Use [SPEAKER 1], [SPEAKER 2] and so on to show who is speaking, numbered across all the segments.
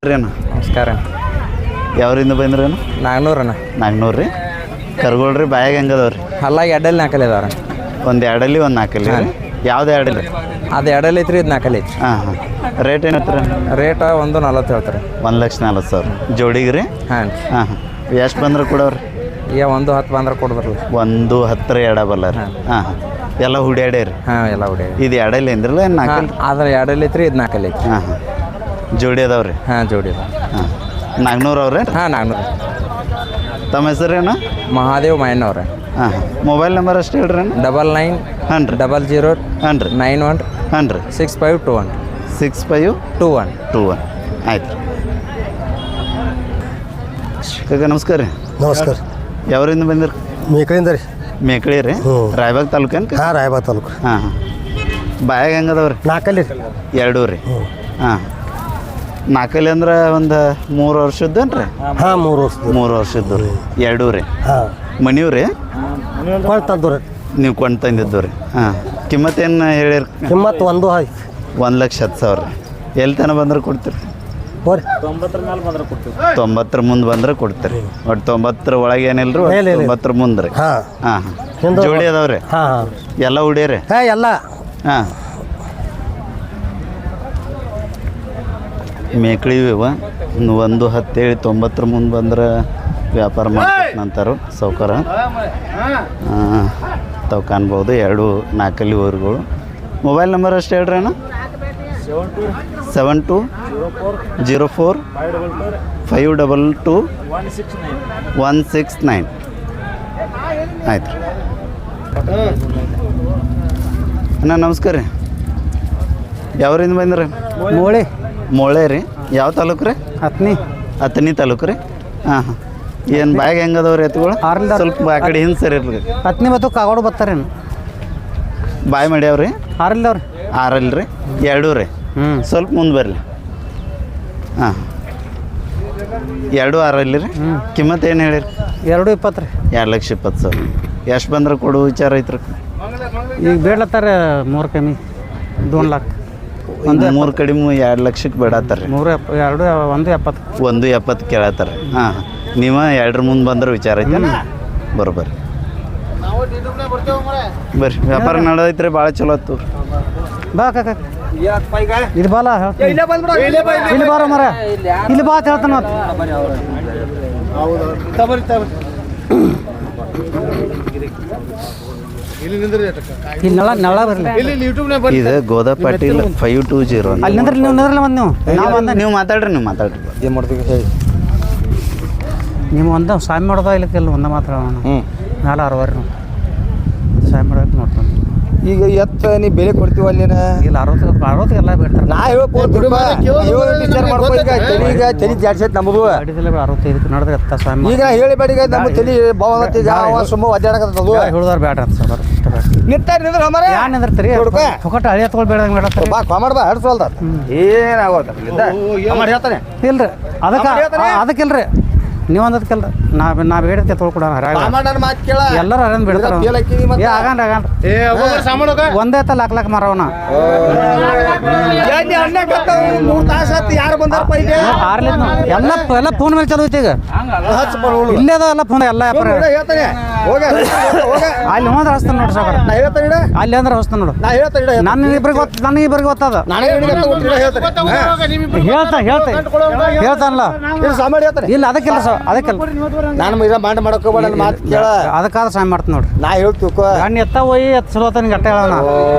[SPEAKER 1] ರೀನ
[SPEAKER 2] ನಮಸ್ಕಾರ.
[SPEAKER 1] ಯಾವ್ರಿಂದ ಬಂದ್ರೇನು?
[SPEAKER 2] ನಾಗ್ನೂರಣ್ಣ.
[SPEAKER 1] ನಾಗ್ನೂರು ರೀ. ಕರ್ಗೋಳ್ರಿ ಬಾಯಾಗ ಹೆಂಗದವ್ರಿ?
[SPEAKER 2] ಅಲ್ಲ ಎಡಲ್ಲಿ ನಾಲ್ಕಲ್ಲಿ ಅದಾವ್ರ.
[SPEAKER 1] ಒಂದು ಎರಡಲ್ಲಿ ಒಂದು ನಾಲ್ಕಲ್ಲಿ ರೀ. ಯಾವ್ದು ಎರಡಲ್ಲಿ?
[SPEAKER 2] ಅದು ಎಡಲ್ಲಿ ಐತ್ರಿ, ಇದು ನಾಲ್ಕಲ್ಲಿ ಐತ್ರಿ.
[SPEAKER 1] ಹಾಂ. ರೇಟ್ ಏನತ್ತರ?
[SPEAKER 2] ರೇಟ್ 140 ಹೇಳ್ತಾರೆ.
[SPEAKER 1] 1,40,000 ಜೋಡಿಗೆ ರೀ?
[SPEAKER 2] ಹಾಂ.
[SPEAKER 1] ಎಷ್ಟು ಬಂದ್ರೆ ಕೊಡವ್ರಿ?
[SPEAKER 2] ಈಗ 110 ಬಂದ್ರೆ ಕೊಡ್ಬರ್ಲಿ.
[SPEAKER 1] 110 ಎಡ ಬಲ್ಲ ರೀ. ಎಲ್ಲ ಹುಡ್ಯಾಡೇ ರೀ?
[SPEAKER 2] ಎಲ್ಲ ಹುಡಿ.
[SPEAKER 1] ಇದು ಎರಡಲ್ಲಿ ಅಂದ್ರಲ್ಲ ನಾಲ್ಕಲ್ಲಿ?
[SPEAKER 2] ಅದ್ರ ಎಡಲ್ಲಿ ಐತ್ರಿ, ಇದು ನಾಲ್ಕಲ್ಲಿ ಐತ್ರಿ.
[SPEAKER 1] ಜೋಡಿ ಅದಾವ್ರಿ?
[SPEAKER 2] ಜೋಡಿ ಅದಾವ.
[SPEAKER 1] ನಾಗ್ನೂರು ಅವ್ರಿ?
[SPEAKER 2] ನಾಗ್ನೂರು.
[SPEAKER 1] ತಮ್ಮ ಹೆಸರೇನು?
[SPEAKER 2] ಮಹಾದೇವ್ ಮಾಯಣ್ಣವ್ರೆ.
[SPEAKER 1] ಮೊಬೈಲ್ ನಂಬರ್ ಅಷ್ಟು ಹೇಳ್ರಿ.
[SPEAKER 2] 99
[SPEAKER 1] ಹಾಂ ರೀ.
[SPEAKER 2] 00 91
[SPEAKER 1] ಹಾಂ ರೀ.
[SPEAKER 2] 6521
[SPEAKER 1] 6521 ಆಯ್ತು. ಕಾಕ ನಮಸ್ಕಾರ ರೀ.
[SPEAKER 3] ನಮಸ್ಕಾರ.
[SPEAKER 1] ಯಾವ್ರಿಂದ ಬಂದಿರಿ?
[SPEAKER 3] ಮೇಕಳಿಂದ ರೀ.
[SPEAKER 1] ಮೇಕಳಿ ರೀ? ರಾಯಬಾಗ್ ತಾಲೂಕೇನು?
[SPEAKER 3] ರಾಯಬಾಗ್ ತಾಲೂಕು.
[SPEAKER 1] ಬಾಯಾಗ ಹೆಂಗದವ್ರಿ?
[SPEAKER 3] ನಾಲ್ಕಲ್ಲಿ
[SPEAKER 1] ಎರಡೂ ರೀ. ನಾಲ್ಕಲ್ಲಿ ಅಂದ್ರೆ ಒಂದು 3 ವರ್ಷದ್ದೇನು ರೀ?
[SPEAKER 3] 3 ವರ್ಷ.
[SPEAKER 1] 3 ವರ್ಷದ್ದು ರೀ. ಎರಡೂ ರೀ. ಮನಿವ್ ರೀ?
[SPEAKER 3] ಕೊಳ್ತದ್ದು ರೀ.
[SPEAKER 1] ನೀವು ಕೊಂಡು ತಂದಿದ್ದು ರೀ. ಕಿಮ್ಮತ್ತೇನು ಹೇಳಿರಿ?
[SPEAKER 3] ಕಿಮ್ಮತ್ತು
[SPEAKER 1] 1,10,000 ರೀ. ಎಲ್ಲಿ ತನಕ ಬಂದ್ರೆ ಕೊಡ್ತೀರಿ? 90 ಮುಂದೆ ಬಂದ್ರೆ ಕೊಡ್ತೀರಿ. ಒಟ್ಟು 90 ಒಳಗೆ ಏನಿಲ್ಲ ರೀ? 90 ಮುಂದೆ ರೀ. ಜೋಡಿ ಅದಾವ್ರಿ? ಎಲ್ಲ ಹುಡಿಯರಿ?
[SPEAKER 3] ಎಲ್ಲ.
[SPEAKER 1] ಮೇಕಳಿ 110 ಹೇಳಿ 90 ಮುಂದೆ ಬಂದ್ರೆ ವ್ಯಾಪಾರ ಮಾಡ್ತಾರಂತಾರು ಸೌಕರ್ಯ. ತಾವು ಕಾಣ್ಬೋದು. 2 ನಾಲ್ಕಲ್ಲಿ ಊರುಗಳು. ಮೊಬೈಲ್ ನಂಬರ್ ಅಷ್ಟು ಹೇಳ್ರಿ ಅಣ್ಣ. 7204 522 169 ಆಯ್ತು ರೀ. ಅಣ್ಣ ನಮಸ್ಕಾರ ರೀ. ಯಾವ್ರಿಂದ ಬಂದ್ರಿ? ಮೋಳೆ ರೀ. ಯಾವ ತಾಲೂಕು ರೀ? ಹತ್ತನಿ ತಾಲೂಕು ರೀ. ಏನು ಬ್ಯಾಗ್ ಹೆಂಗದವ್ರಿ ಎತ್ತುಗಳು? ಸ್ವಲ್ಪ ಆ ಕಡೆ ಹಿಂದೆ ಸರಿ ಇರ್ಲಿ.
[SPEAKER 3] ಹತ್ತನೇ ಮತ್ತು ಕಾಗೋಡು ಬರ್ತಾರೇನು?
[SPEAKER 1] ಬಾಯ್ ಮಾಡ್ಯಾವ್ರಿ?
[SPEAKER 3] 6
[SPEAKER 1] ರೀ. 2 ರೀ. ಸ್ವಲ್ಪ ಮುಂದೆ ಬರಲಿ. 2 6 ರೀ. ಕಿಮ್ಮತ್ತು ಏನು ಹೇಳಿರಿ?
[SPEAKER 3] 220 ರೀ.
[SPEAKER 1] 2,20,000. ಎಷ್ಟು ಬಂದ್ರೆ ಕೊಡು ವಿಚಾರ ಐತ್ರಿ?
[SPEAKER 3] ಈಗ ಬೇಡ್ಲತ್ತಾರೆ 3 ಕಮ್ಮಿ 2 ಲಕ್ಷ.
[SPEAKER 1] 3 ಕಡಿಮೆ 2 ಲಕ್ಷಕ್ಕೆ ಬೇಡತ್ತಾರೆ. 1,70 ಕೇಳತ್ತಾರೆ. ನೀವು 2 ಮುಂದೆ ಬಂದ್ರೆ ವಿಚಾರ ಐತೆ. ಬರ್ರಿ ವ್ಯಾಪಾರ ನಡೆದೈತ್ರಿ. ಭಾಳ ಚಲೋ ಆಯ್ತು.
[SPEAKER 3] ಬಾ ಕಾಕ ಇದು ಬಾಲ ಇಲ್ಲಿ ಬಾರ ಮರ ಇಲ್ಲಿ ಬಾ ಅಂತ ಹೇಳ್ತಾನ. ಇಲ್ಲಿ ನಳ ಬರಲಿ.
[SPEAKER 1] ಇದು ಗೋದಾ ಪಾಟೀಲ್ 520.
[SPEAKER 3] ಅಲ್ಲಿ ನಿಂದ್ರಿ
[SPEAKER 1] ನೀವು ಮಾತಾಡ್ರಿ.
[SPEAKER 2] ಏನು ಮಾಡ್ತೀವಿ ಹೇಳಿ.
[SPEAKER 3] ನೀವು ಒಂದು ಸ್ವಾಮಿ ಮಾಡೋದ ಇಲ್ಲಕ್ಕೆಲ್ಲ ಒಂದ ಮಾತಾಡೋಣ. ನಾಳೆ 60 ನಾವು ಸ್ವಾಮಿ ಮಾಡೋಕೆ ನೋಡ್ತಾನೆ.
[SPEAKER 2] ಈಗ ಎತ್ತ ನೀ ಬೆಲೆ ಕೊಡ್ತೀವಿ ಅಲ್ಲಿನ?
[SPEAKER 3] ಇಲ್ಲ 60 ಎಲ್ಲ ಬಿಡ್ತಾರೆ.
[SPEAKER 2] ನಾ ತಲೆ ಜಾಡ್ಸೈತೆ ನಮ್ಮದು.
[SPEAKER 3] 65 ನಡೆದ್ರೆ ಎತ್ತ ಸ್ವಾಮಿ
[SPEAKER 2] ಈಗ ಹೇಳಿಬೇಡ. ಈಗ ನಮ್ಮ ತಲೆ ಬಾವತ್ತೀಗ ಸುಮ್ಮ ಒದ್ದಾಡಕತ್ತದು.
[SPEAKER 3] ಹಿಡಿದವ್ರು ಬೇಡ ಅಂತ ಸರ್. ಯಾರು ನಿಂದಿರ್ತೀರಿ? ಹೊಕಟ ಹಳಿ ಹತ್ಕೊಳ್ ಬೇಡಂಗೆ ಬೇಡತ್ತಾರೆ.
[SPEAKER 2] ಬಾ ಕಾಮಾಡ್ ಬಾ ಹಡ್ಸೋಲ್ದ ಏನಾಗೋದ ಹೇಳ್ತಾನೆ.
[SPEAKER 3] ಇಲ್ರಿ ಅದಕ್ಕಿಲ್ರಿ. ನೀವು ಅಂದದಕ್ಕೆಲ್ರಿ. ನಾವು ಹೇಳಿದ್ಕೆ ತೊಳ್ಕೊಡೋಣ. ಎಲ್ಲರೂ ಅರೇಂಜ್ ಬಿಡ್ತಾರೆ. ಒಂದೇ ತ ಲಾಕ್ ಮಾರವನ ಎಲ್ಲ ಫೋನ್ ಮೇಲೆ ಚಲೋ ಐತಿ. ಈಗ ಇಲ್ಲೇ ಅದ ಎಲ್ಲ ಫೋನ್ ಎಲ್ಲ ಅಲ್ಲಿ ಹೋದ್ರೆ ಹಸ್ತಾನ ನೋಡ್ರಿ ಸಾಕ. ಅಲ್ಲಿ ಅಂದ್ರೆ ಹಸ್ತಾನ ನೋಡು. ನನಗಿಬ್ರಿಗೆ ಗೊತ್ತದ. ಹೇಳ್ತಾನಲ್ಲ. ಇಲ್ಲ ಅದಕ್ಕಿಲ್ಲ
[SPEAKER 2] ನಾನು ಮಾಡಕ್
[SPEAKER 3] ಅದಕ್ಕಾದ್ರೆ ಸಾಯ್ ಮಾಡ್ತೀನಿ ನೋಡ್ರಿ.
[SPEAKER 2] ನಾ ಹೇಳ್ತೀವಿ
[SPEAKER 3] ನಾನು ಎತ್ತ ಹೋಗಿ ಚಲೋ ನಿಂಗೆ ಅಟ್ಟ ಹೇಳೋಣ.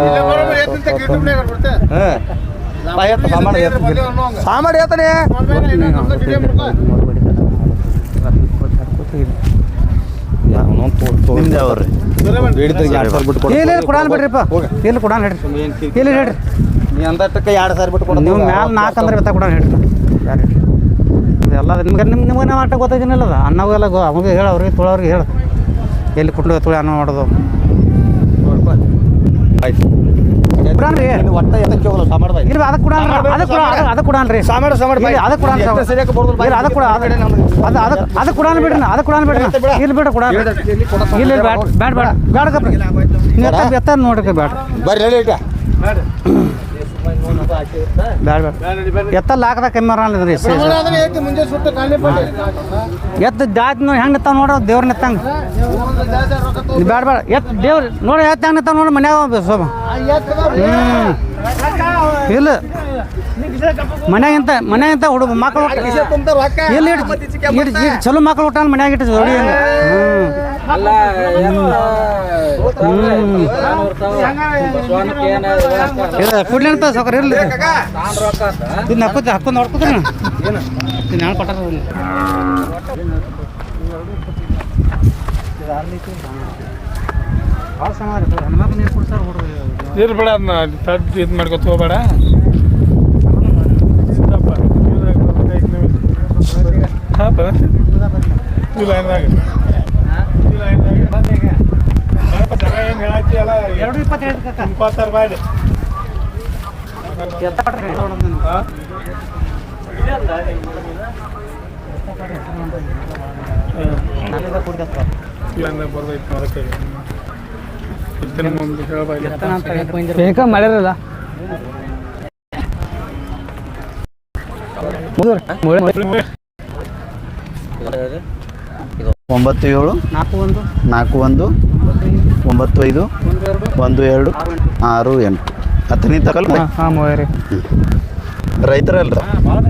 [SPEAKER 2] ಸಾಮಾಡಿ ಹೇಳ್ತಾನೆ.
[SPEAKER 3] ಇಲ್ಲಿ ಕೊಡಾನ್ ಬಿಡ್ರಿಪ್ಪ. ಇಲ್ಲಿ ಕೊಡಾನ್ ಹೇಳ್ರಿ. ಇಲ್ಲಿ ಹೇಳ್ರಿ.
[SPEAKER 2] ನೀ ಅಂದಷ್ಟಕ್ಕೆ 2,000 ಬಿಟ್ಟು ಕೊಡ.
[SPEAKER 3] ನೀವು ಮ್ಯಾಲೆ 4 ಅಂದ್ರೆ ಬೆತ್ತ ಕೊಡಾನ್ ಹೇಳ್ರಿ. ಎಲ್ಲ ನಿಮ್ಗೆ ನಾವು ಆಟ ಗೊತ್ತಾಯ್ತಿನಲ್ಲ. ಅನ್ನವೆಲ್ಲ ಅವಾಗ ಹೇಳ ಅವ್ರಿಗೆ ತೊಳೋರಿಗೆ ಹೇಳು ಎಲ್ಲಿ ಕುಟ್ಲು ತೊಳಿ ಅನ್ನ ಮಾಡೋದು.
[SPEAKER 2] ಆಯ್ತು
[SPEAKER 3] ಬಿಡಾನ್ರಿ.
[SPEAKER 2] ಒಟ್ಟ ಎತ್ತಕ್ಕೆ ಹೋಗಲ್ಲ ಸಾಮಾಡ್ದ.
[SPEAKER 3] ಇಲ್ಲ ಅದಕ್ಕೆ ಕೊಡಾನ್ರಿ. ಅದಕ್ಕೆ ಕೊಡಾನ್ರಿ. ಅದಕ್ಕೆ ಕೊಡಾನ್ ಬಿಡ್ರಿ. ಅದಕ್ಕೆ ಕೊಡಾನ್ ಬಿಡ್ರಿ. ಇಲ್ಲಿ ಬಿಡ್ರಿ ಕೊಡ. ಇಲ್ಲಿ ಬ್ಯಾಡ ಬೇಡಕಪ್ಪ. ಎತ್ತ ನೋಡ್ರಿ ಬ್ಯಾಡ.
[SPEAKER 2] ಬರ್ರಿ
[SPEAKER 3] ಬ್ಯಾಡ ಬೇಡ ಎತ್ತಲ್ಲಿ ಹಾಕದ ಕಮ್ಮಿ ಬರಲ್ಲ ಎತ್ತು ಜಾತಿ ನೋಡಿ ಹೆಂಗೆ ನಿಂತಾವ ನೋಡ್ರಿ ದೇವ್ರ ನಿಂತಂಗೆ ಬೇಡ ಬೇಡ ಎತ್ತು ದೇವ್ರ ನೋಡಿ ಎತ್ತು ಹೆಂಗೆ ನಿಂತಾವ ನೋಡಿ ಮನ್ಯಾಗ ಸೋಮ ಇಲ್ಲ ಮನ್ಯಾಗಿಂತ ಹುಡುಗ ಮಕ್ಕಳು ಇಲ್ಲಿ ಚಲೋ ಮಕ್ಕಳು ಊಟ ಮನ್ಯಾಗ ಇಟ್ಟು ಜೋಡಿ ಕುಡ್ಲಿ ಅಂತ ಸೌಕರ್ ಇರಲಿ ಇದನ್ನ ಹಾಕೊಂಡು ನೋಡ್ಕೊತೀನಿ ನಾನು ಕೊಟ್ಟಾರ ಭಾಳ ಸಮ ಹೆಣ್ಮಕ್ಳು ನೀರು ಕೊಡ್ತಾರೆ ಹುಡುಗ
[SPEAKER 4] ಇರ್ಬೇಡ ಅದನ್ನ ತಟ್ಟು ಇದು ಮಾಡ್ಕೊತ ಹೋಗ್ಬೇಡ ಹಾಂ ಇಪ್ಪತ್ತಾರು ಬಾಯ್ಲಿ ಬರ್ದೈತಿ ಅದಕ್ಕೆ ಮುಂದೆ ಹೇಳ್ಬಾಯ್ಲಿ
[SPEAKER 3] ಮಾಡ್ಯಾರಲ್ಲ
[SPEAKER 1] ಒಂಬತ್ತು ಏಳು
[SPEAKER 3] 41
[SPEAKER 1] 41 95 12 6 8 ಹತ್ತನೇ ತಕಲ್
[SPEAKER 3] ಹಾಂ ಮೂವರಿ
[SPEAKER 1] ರೈತರಲ್ರ ಹಾಂ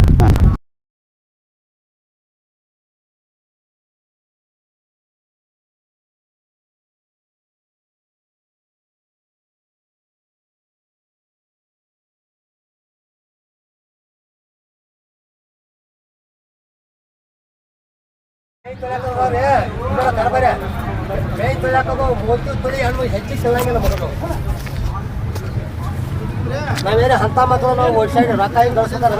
[SPEAKER 5] ನಾವೇನೇ ಅಂತ ಮಕ್ಕಳು ನಾವು ಓಡಿಸಾಡಿ ರೊಕ್ಕ ಹಿಂಗೆ ಗಳಿಸ್ತಾರೆ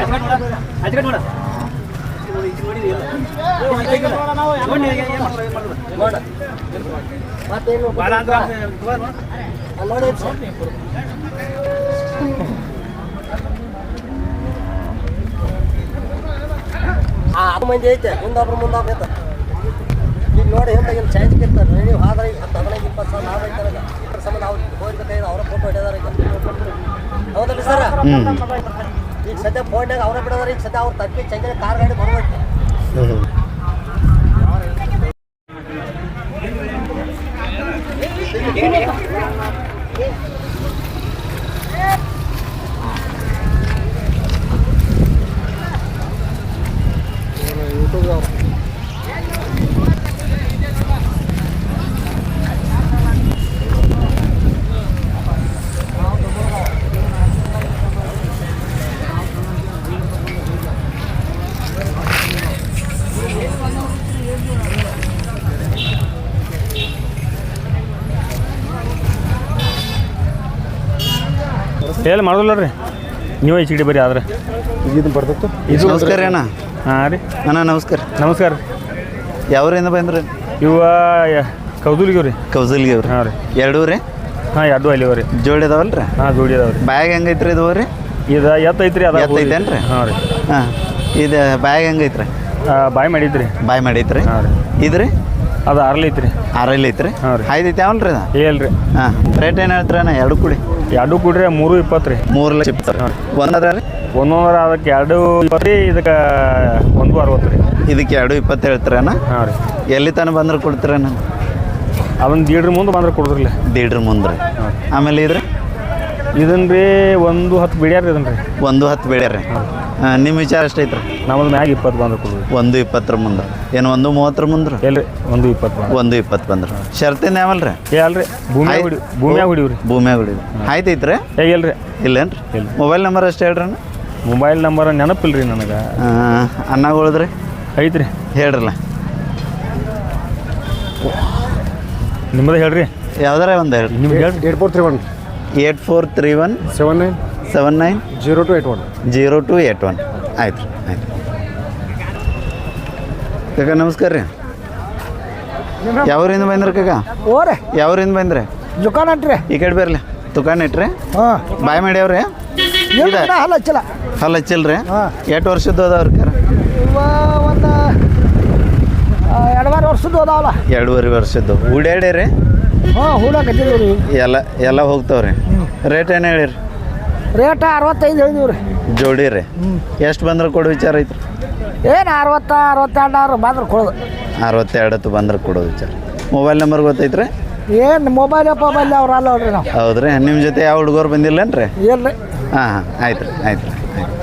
[SPEAKER 5] ಮತ್ತೇನು ನೋಡಿ ಅದು ಮಂದಿ ಐತೆ ಮುಂದೊಬ್ರು ಐತೆ ಈಗ ನೋಡಿ ಹಿಂದೆ ಇಲ್ಲಿ ಚಾನ್ಸ್ ಇರ್ತಾರೆ ನೀವು ಆದ್ರೆ ಈಗ 15 20 ಸಾವಿರ ಲಾಭ ಐತಾರೆ ಇದ್ರ ಸಂಬಂಧ ಅವ್ರು ಹೋಗ್ಬೇಕಾದ್ರೆ ಅವರ ಫೋಟೋ ಹಿಡಿದಾರೆ ಈಗ ಹೌದಲ್ಲ ಸರ್ ಈಗ ಸದ್ಯ ಫೋನ್ಯಾಗ ಅವರ ಬಿಡೋದಾರೆ ಈಗ ಸದ್ಯ ಅವ್ರು ತಪ್ಪಿ ಚಂದ್ರ ಕಾರ್ ಗಾಡಿ ಬರ್ಬೇಕು
[SPEAKER 4] ಎಲ್ಲಿ ಮಾಡೋದಿಲ್ಲ ರೀ ನೀವು ಈ ಚೀಟಿ ಬರ್ರಿ ಆದ್ರೆ
[SPEAKER 2] ಇದು ಬರ್ತಿತ್ತು
[SPEAKER 1] ಇದು ನಮಸ್ಕಾರ ಅಣ್ಣ
[SPEAKER 4] ಹಾಂ ರೀ
[SPEAKER 1] ಅಣ್ಣ ನಮಸ್ಕಾರ
[SPEAKER 4] ನಮಸ್ಕಾರ
[SPEAKER 1] ಯಾವ್ರಿಂದ ಬಂದ್ರಿ
[SPEAKER 4] ಇವ ಕೌದೂಲಿಗೆ ರೀ
[SPEAKER 1] ಕೌಸಲ್ಗಿ ಅವ್ರಿ
[SPEAKER 4] ಹಾಂ ರೀ
[SPEAKER 1] ಎರಡೂ ರೀ
[SPEAKER 4] ಹಾಂ ಎರಡು ಅಲ್ಲಿವ ರೀ
[SPEAKER 1] ಜೋಡಿ ಅದಾವಲ್ಲ ರೀ
[SPEAKER 4] ಹಾಂ ಜೋಡಿ ಅದಾವ ರೀ
[SPEAKER 1] ಬ್ಯಾಗ್ ಹೆಂಗೈತ್ರಿ ಇದು ರೀ
[SPEAKER 4] ಇದು ಎತ್ತೈತ್ರಿ ಅದ
[SPEAKER 1] ಎತ್ತೈತೇನು ರೀ
[SPEAKER 4] ಹಾಂ ರೀ
[SPEAKER 1] ಹಾಂ ಇದು ಬ್ಯಾಗ್ ಹೆಂಗೈತ್ರಿ
[SPEAKER 4] ಬಾಯ್ ಮಾಡಿದ್ರಿ
[SPEAKER 1] ಬಾಯ್ ಮಾಡೈತ್ರಿ
[SPEAKER 4] ಹಾಂ ರೀ
[SPEAKER 1] ಇದು ರೀ
[SPEAKER 4] ಅದು ಆರ್ಲಿ ಐತ್ರಿ
[SPEAKER 1] ಆರಲ್ಲಿ ಐತ್ರಿ
[SPEAKER 4] ಹಾಂ ರೀ
[SPEAKER 1] ಐದೈತೆ ಯಾವಲ್ಲ ರೀ ಅದು
[SPEAKER 4] ಏಲ್ ರೀ
[SPEAKER 1] ಹಾಂ ರೇಟ್ ಏನು ಹೇಳ್ತೀರಣ್ಣ ಎರಡು ಕೂಡಿ
[SPEAKER 4] ಎರಡು ಕೂಡ್ರಿ 320 ರೀ
[SPEAKER 1] 3 ಲಕ್ಷ ಇಪ್ಪತ್ತು ಒಂದದ ರೀ
[SPEAKER 4] ಒಂದೊಂದ್ರ ಅದಕ್ಕೆ 220 ರೀ ಇದಕ್ಕೆ 160 ರೀ
[SPEAKER 1] ಇದಕ್ಕೆ 220 ಹೇಳ್ತೀರಣ್ಣ
[SPEAKER 4] ಹಾಂ ರೀ
[SPEAKER 1] ಎಲ್ಲಿ ತನಕ ಬಂದ್ರೆ ಕೊಡ್ತೀರಣ್ಣ
[SPEAKER 4] ಅದನ್ನು ದೀಡ್ರ ಮುಂದೆ ಬಂದ್ರೆ ಕೊಡ್ದ್ರಲ್ಲ
[SPEAKER 1] ದೀಡ್ರ ಮುಂದೆ ರೀ ಆಮೇಲೆ ಇದ್ರಿ
[SPEAKER 4] ಇದನ್ನ ರೀ 110 ಬಿಡ್ಯಾರ ರೀ ಇದನ್ನ ರೀ
[SPEAKER 1] 110 ಬೇಡ್ಯಾರ ರೀ ನಿಮ್ಮ ವಿಚಾರ ಎಷ್ಟೈತ್ರಿ
[SPEAKER 4] ನಮ್ಮದು ಮ್ಯಾಗ 20 ಬಂದ್ರೆ ಕೊಡ್ರಿ
[SPEAKER 1] 120 ಮುಂದೆ ಏನು 130 ಮುಂದ್ರೆ
[SPEAKER 4] ಎಲ್ರಿ 120 ಬಂದ್ರೆ
[SPEAKER 1] 120 ಬಂದ್ರೆ ಶರ್ತಿನ ಯಾವಲ್ಲ ರೀ
[SPEAKER 4] ಏ ಅಲ್ರಿ ಭೂಮಿಯಾಗ ಹೊಡಿವ್ರಿ
[SPEAKER 1] ಭೂಮಿಯಾಗ ಹೊಡಿದ್ರಿ ಆಯ್ತೈತ್ರಿ
[SPEAKER 4] ಏ ಇಲ್ರಿ
[SPEAKER 1] ಇಲ್ಲೇನ್ರಿ
[SPEAKER 4] ಇಲ್ಲ.
[SPEAKER 1] ಮೊಬೈಲ್ ನಂಬರ್ ಅಷ್ಟು ಹೇಳ್ರಿ ಅಣ್ಣ
[SPEAKER 4] ಮೊಬೈಲ್ ನಂಬರ್ ನೆನಪಿಲ್ಲ ರೀ ನನಗೆ
[SPEAKER 1] ಅನ್ನಗೊಳದ್ರಿ
[SPEAKER 4] ಐತ್ರಿ
[SPEAKER 1] ಹೇಳ್ರಲ್ಲ
[SPEAKER 4] ನಿಮ್ಮದು ಹೇಳ್ರಿ
[SPEAKER 1] ಯಾವ್ದಾರ ಒಂದು ಹೇಳ್ರಿ
[SPEAKER 4] ನಿಮ್ಗೆ ಹೇಳ್ರಿ
[SPEAKER 1] 8431 79 0281 ಆಯ್ತು ರೀ ಆಯ್ತು ಕಾಕ ನಮಸ್ಕಾರ ರೀ ಯಾವ್ರಿಂದ ಬಂದ್ರಿ ಕಾಕ
[SPEAKER 5] ಓರೆ
[SPEAKER 1] ಯಾವ್ರಿಂದ ಬಂದ್ರಿ
[SPEAKER 5] ದುಕಾನ್ ಅಂಟ್ರಿ
[SPEAKER 1] ಈ ಕಡೆ ಬರ್ಲಿ ದುಕಾನ್ ಇಟ್ರಿ
[SPEAKER 5] ಹಾಂ
[SPEAKER 1] ಬಾಯ್ ಮಾಡ್ಯಾವ್ರಿ ಇದೆ
[SPEAKER 5] ಹಲ್ಲ ಹಚ್ಚಲ್ಲ
[SPEAKER 1] ಹಲ್ಲ ಹಚ್ಚಿಲ್ರಿ
[SPEAKER 5] ಹಾಂ.
[SPEAKER 1] ಎಷ್ಟು ವರ್ಷದ್ದು ಅದಾವ್ರಿ ಕರ
[SPEAKER 5] ಇವ ಒಂದು 2 ವರ್ಷದ್ದು ಅದಾವಲ್ಲ
[SPEAKER 1] 2.5 ವರ್ಷದ್ದು ಉಡ್ಯಾಡ್ಯಾರಿ
[SPEAKER 5] ಹಾಂ ಹೂಡ ಕಟ್ಟಿದ್ದೀವಿ ರೀ
[SPEAKER 1] ಎಲ್ಲ ಹೋಗ್ತಾವ್ರಿ ರೇಟ್ ಏನು ಹೇಳಿರಿ
[SPEAKER 5] ರೇಟ್ 65 ಹೇಳಿದೀವಿ ರೀ.
[SPEAKER 1] ಜೋಡಿ ರೀ ಎಷ್ಟು ಬಂದ್ರೆ ಕೊಡೋ ವಿಚಾರ ಐತ್ರಿ?
[SPEAKER 5] ಏನು 60 62 ಬಂದ್ರೆ ಕೊಡೋದು.
[SPEAKER 1] 62 ಬಂದ್ರೆ ಕೊಡೋ ವಿಚಾರ. ಮೊಬೈಲ್ ನಂಬರ್ ಗೊತ್ತೈತ್ರಿ?
[SPEAKER 5] ಏನು ಮೊಬೈಲ್ ಅವ್ರು ಅಲ್ಲ ನೋಡ್ರಿ ನಾವು.
[SPEAKER 1] ಹೌದ್ರಿ. ನಿಮ್ಮ ಜೊತೆ ಯಾವ ಹುಡುಗರು ಬಂದಿಲ್ಲೇನ್ರಿ?
[SPEAKER 5] ಇಲ್ಲ ರೀ.
[SPEAKER 1] ಹಾಂ ಆಯ್ತು ರೀ.